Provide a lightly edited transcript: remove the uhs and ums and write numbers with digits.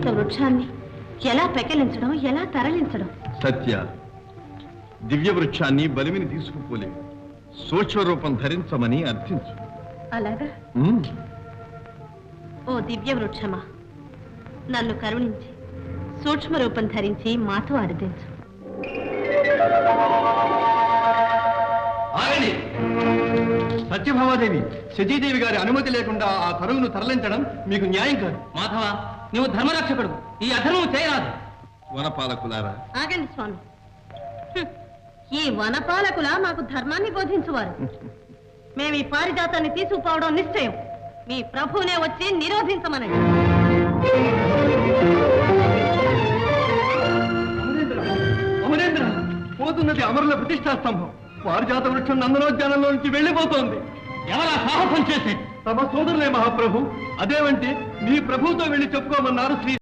వృక్షాన్ని ఎలా పెకలించడం, ఎలా తరలించడం? సత్య, దివ్య వృక్షాన్ని బలిమిని తీసుకుపోలే, సూక్ష్మ రూపం ధరించమని అర్థించు. అలాగా? ఓ దివ్య వృక్షమా, నన్ను కరుణించి సూక్ష్మ రూపం ధరించి మాతో అర్థించు. సత్యభామాదేవి, శచీదేవి గారి అనుమతి లేకుండా ఆ తరువును తరలించడం మీకు న్యాయం కాదు. మాధవ, నువ్వు ధర్మరక్షకుడు, ఈ అధర్మం చేయరాదు. వనపాలకులారా, ఆగండి స్వామి. ఈ వనపాలకుల మాకు ధర్మాన్ని బోధించువారు. మేము ఈ పారిజాతాన్ని తీసుకుపోవడం నిశ్చయం. మీ ప్రభువునే వచ్చి నిరోధించమనండి. అమరేంద్ర, పోతున్నది అమరుల ప్రతిష్టా స్తంభం. పారిజాత వృక్షం నందనోద్యానంలో నుంచి వెళ్లిపోతోంది. ఎవరా సాహసం చేసే? తమ సోదరులే మహాప్రభు. అదేమంటే మీ ప్రభువుతో వెళ్లి చెప్పుకోమన్నారు శ్రీ